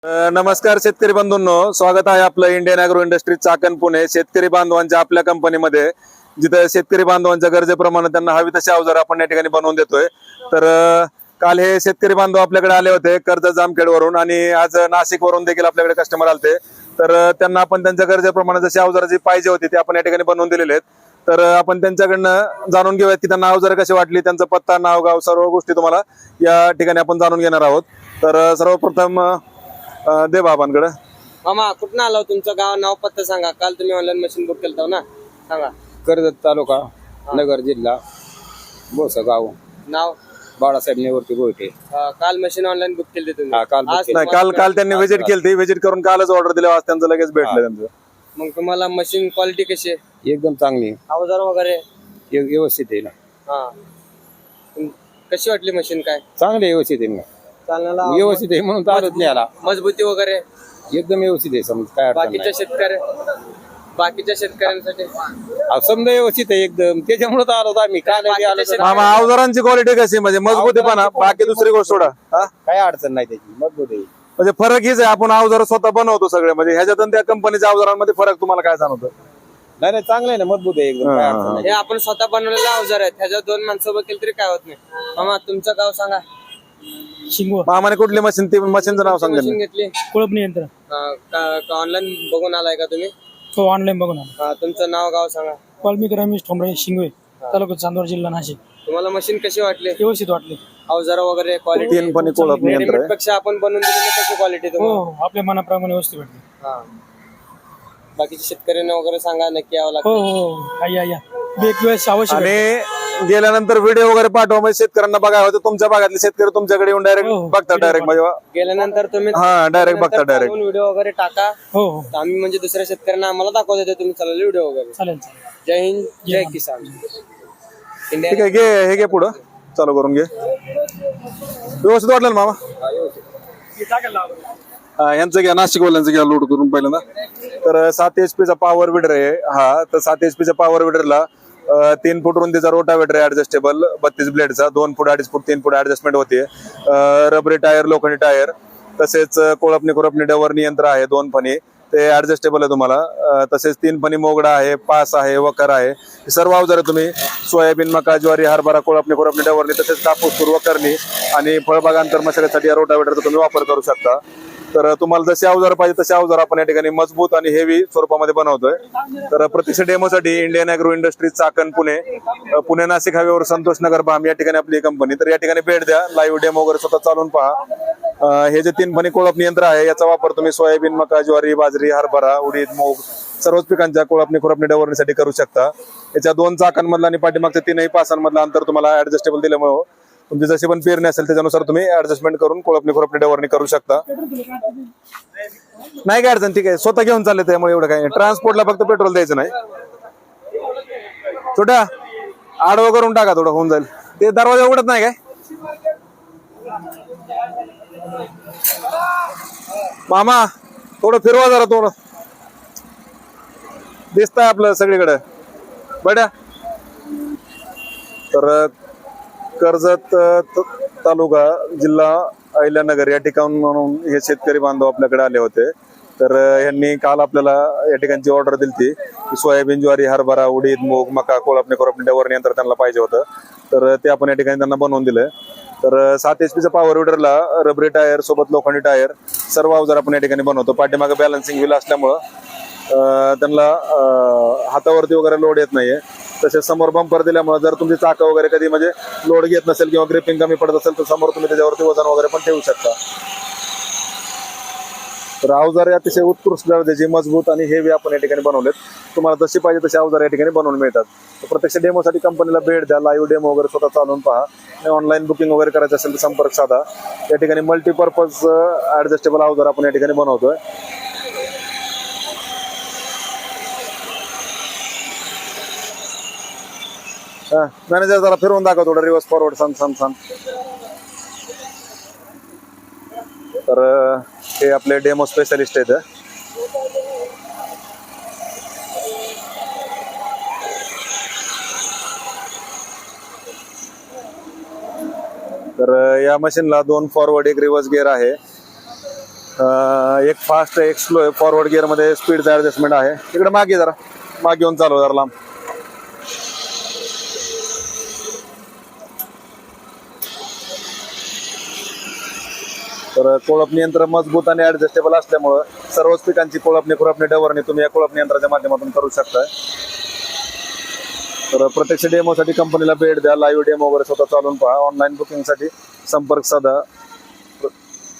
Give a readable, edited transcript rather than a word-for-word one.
नमस्कार शेतकरी बंधूंनो, स्वागत आहे आपलं Indian agro industry Chakan Pune. शेतकरी बांधवांच्या आपल्या कंपनीमध्ये जिथे शेतकरी बांधवांच्या गरजेप्रमाणे त्यांना हवी तशी अवजार आपण या ठिकाणी बनवून देतोय. तर काल हे शेतकरी बांधव आपल्याकडे आले होते कर्जत जामखेडवरून आणि आज नाशिक वरून देखील आपल्याकडे कस्टमर आलते. तर त्यांना आपण त्यांच्या गरजेप्रमाणे जशी अवजार जी पाहिजे होती ती आपण या ठिकाणी बनवून दिलेले आहेत. तर आपण त्यांच्याकडनं जाणून घेऊयात की त्यांना अवजार कशी वाटली, त्यांचा पत्ता, नाव, गाव सर्व गोष्टी तुम्हाला या ठिकाणी आपण जाणून घेणार आहोत. तर सर्वप्रथम दे बाबांकडे. मामा कुठं आलो, तुमचं गाव, नाव, पत्ता सांगा. काल तुम्ही ऑनलाईन मशीन बुक केलं ना, सांगा. कर्जत तालुका, नगर जिल्हा, बोसगाव, नाव बाळासाहेब निवृत्ती गोयटे. काल मशीन ऑनलाईन बुक केली तुम्ही. हा, काल book आज केली. नाही, काल त्यांनी व्हिजिट केली, व्हिजिट करून कालच ऑर्डर दिली, आज त्यांचं लगेच भेटलं त्यांचं. मग तुम्हाला मशीन क्वालिटी कशी आहे, एकदम चांगली, अवजार वगैरे व्यवस्थित आहे ना. हा कशी वाटली मशीन? काय चांगले व्यवस्थित आहे ना, चालण्याला व्यवस्थित आहे म्हणून चालत नाही आला. मजबूती वगैरे एकदम व्यवस्थित आहे, समज काय अडचण बाकीच्या शेतकऱ्यांसाठी समजा व्यवस्थित आहे एकदम. त्याच्यामुळे तर आलो आम्ही. काय नाही आलो तर मामा, अवजारांची क्वालिटी कशी म्हणजे मजबूतीपणा, बाकी दुसरी गोष्ट सोडा. काय अडचण नाही त्याची, मजबूत आहे. म्हणजे फरक हीच आहे, आपण अवजार स्वतः बनवतो सगळे, म्हणजे ह्याच्यात आणि त्या कंपनीच्या अवजारांमध्ये फरक तुम्हाला काय जाणवतं? नाही नाही, चांगलं आहे ना, मजबूत आहे एकदम, काय अडचण नाही. हे आपण स्वतः बनवलेले अवजार आहेत, ह्याच्यात दोन माणसं उभं केली तरी काय होत नाही. मामा तुमचं गाव सांगा. शिंगवा मामाने कुठली मशीन, ती मशीनचं नाव सांगा. मशीन घेतली कुळपणी यंत्र ऑनलाईन बघून आलाय का तुम्ही? तो ऑनलाईन बघून आला. तुमचं नाव, गाव सांगा. वाल्मिक रमेश ठोंबरे, शिंगवे, तालुका चांदवड, जिल्हा नाशिक. तुम्हाला मशीन कशी वाटली? व्यवस्थित वाटले. अवजार वगैरे क्वालिटी तीन पण कोळपणी यंत्र आहे. पेक्षा आपण बनवून दिलेली कशी क्वालिटी हो तुम्हाला? आपल्या मनाप्रमाणे व्यवस्थित वाटले. हा. बाकीच्या शेतकऱ्यांना वगैरे सांगा, नक्की यावं हो लागतं. हो या या एक वेळेस अवश्य भेट. आणि गेल्यानंतर व्हिडिओ वगैरे पाठवा, म्हणजे शेतकऱ्यांना बघावं होतं. तुमच्या भागातले शेतकरी तुमच्याकडे येऊन डायरेक्ट हो, हो. बघतात, डायरेक्ट म्हणजे गेल्यानंतर तुम्ही हा, डायरेक्ट बघता, डायरेक्ट. व्हिडिओ वगैरे टाका. हो हो तर आम्ही म्हणजे दुसऱ्या शेतकऱ्यांना आम्हाला दाखवत येते तुम्ही चाललेले व्हिडिओ वगैरे. चालेल चालेल. जय हिंद, जय किसान. इंडिया. ठीक आहे, घे हे घे पुढं, चालू करून घे. व्यवस्थित वाटलं ना मामा? यांचं घ्या, नाशिकवाल्यांचं घ्या लोड करून पहिल्यांदा. तर 7 HP चा पॉवर विडर आहे हा. तर 7 HP च्या पॉवर विडरला 3 फूट रुंदीचा रोटावेटर आहे ऍडजस्टेबल, 32 ब्लेडचा, 2 फूट, 2.5 फूट, 3 फूट ऍडजस्टमेंट होते. रबरी टायर, लोखंडी टायर, तसेच कोळपणी खुरपणी डवरणी यंत्र आहे, 2 फणी, ते ऍडजस्टेबल आहे तुम्हाला. तसेच 3 फणी मोगडा आहे, पास आहे, वकर आहे. हे सर्व अवजारे तुम्ही सोयाबीन, मका, ज्वारी, हरभरा, कोळपणी खुरपणी डवरणी, तसेच कापूस, तूर, वखरणी आणि फळबागांतर मशागतीसाठी या रोटावेटरचा तुम्ही वापर करू शकता. तर तुम्हाला जसे अवजार पाहिजे तसे अवजार आपण या ठिकाणी मजबूत आणि हेवी स्वरूपामध्ये बनवतोय. तर प्रत्यक्ष डेमोसाठी Indian agro industry Chakan Pune, Pune Nashik हायवेवर संतोष नगर भाम या ठिकाणी आपली कंपनी. तर या ठिकाणी भेट द्या, लाईव्ह डेमो वगैरे स्वतः चालून पहा. हे जे 3 फणी कोळपणी यंत्र आहे याचा वापर तुम्ही सोयाबीन, मका, ज्वारी, बाजरी, हरभरा, उडीद, मूग सर्वच पिकांच्या कोळपणी खुरपणी डवरणीसाठी करू शकता. याच्या 2 चाकांमधला आणि पाठीमागच्या 3ही पासांमधलं अंतर तुम्हाला ऍडजस्टेबल दिल्यामुळे तुमची जशी पण पेरणी असेल त्याच्यानुसार तुम्ही ऍडजस्टमेंट करून कोळपणी खुरपणी डवरणी करू शकता. नाही काय अडचण, ठीक आहे, स्वतः घेऊन चालले, त्यामुळे एवढं काय. ट्रान्सपोर्टला फक्त पेट्रोल द्यायचं नाही. छोट्या आडवं करून टाका, थोडं होऊन जाईल. ते दरवाजा उघडत नाही काय मामा? थोडं फिरवा जरा, थोडं दिसतंय आपलं सगळीकडे बड्या. तर कर्जत तालुका, जिल्हा अहिल्यानगर या ठिकाणून हे शेतकरी बांधव आपल्याकडे आले होते. तर यांनी काल आपल्याला या ठिकाणची ऑर्डर दिली की सोयाबीन, ज्वारी, हरभरा, उडीद, मूग, मका, कोळपणी खुरपणी डवरणी यंत्र त्यांना पाहिजे होतं. तर ते आपण या ठिकाणी त्यांना बनवून दिलं. तर 7 HP चा पॉवर विडरला रबरी टायर सोबत लोखंडी टायर सर्व अवजार आपण या ठिकाणी बनवतो. पाठीमागे बॅलन्सिंग व्हील असल्यामुळं त्यांना हातावरती वगैरे लोड येत नाहीये. तसेच समोर बंपर दिल्यामुळे जर तुमची चाकं वगैरे कधी म्हणजे लोड घेत नसेल किंवा ग्रिपिंग कमी पडत असेल तर समोर तुम्ही त्याच्यावरती वजन वगैरे पण ठेवू शकता. तर अवजारे अतिशय उत्कृष्ट दर्जाची, मजबूत आणि हेवी आपण या ठिकाणी बनवलेत. तुम्हाला जशी पाहिजे तशी अवजार या ठिकाणी बनवून मिळतात. तर प्रत्यक्ष डेमोसाठी कंपनीला भेट द्या, लाईव्ह डेमो वगैरे स्वतः चालवून पहा. आणि ऑनलाईन बुकिंग वगैरे करायचं असेल तर संपर्क साधा. या ठिकाणी मल्टीपर्पज ऍडजस्टेबल अवजार आपण या ठिकाणी बनवतोय. मॅनेजर जरा फिरवून दाखव, थोडं रिव्हर्स फॉरवर्ड, सांग. तर हे आपले डेमो स्पेशलिस्ट आहेत. तर या मशीनला 2 फॉरवर्ड 1 रिव्हर्स गिअर आहे. एक फास्ट एक स्लो आहे. फॉरवर्ड गिअर मध्ये स्पीडचा ऍडजस्टमेंट आहे. इकडे मागे जरा मागे येऊन चालू जरा लांब. तर कोळपणी यंत्र मजबूत आणि ऍडजस्टेबल असल्यामुळं सर्वच पिकांची कोळपणी खुरपणी डवरणी तुम्ही या कोळपणी यंत्राच्या माध्यमातून करू शकताय. तर प्रत्यक्ष डेमोसाठी कंपनीला भेट द्या. लाईव्ह डेमो वगैरे स्वतः चालून पहा. ऑनलाईन बुकिंगसाठी संपर्क साधा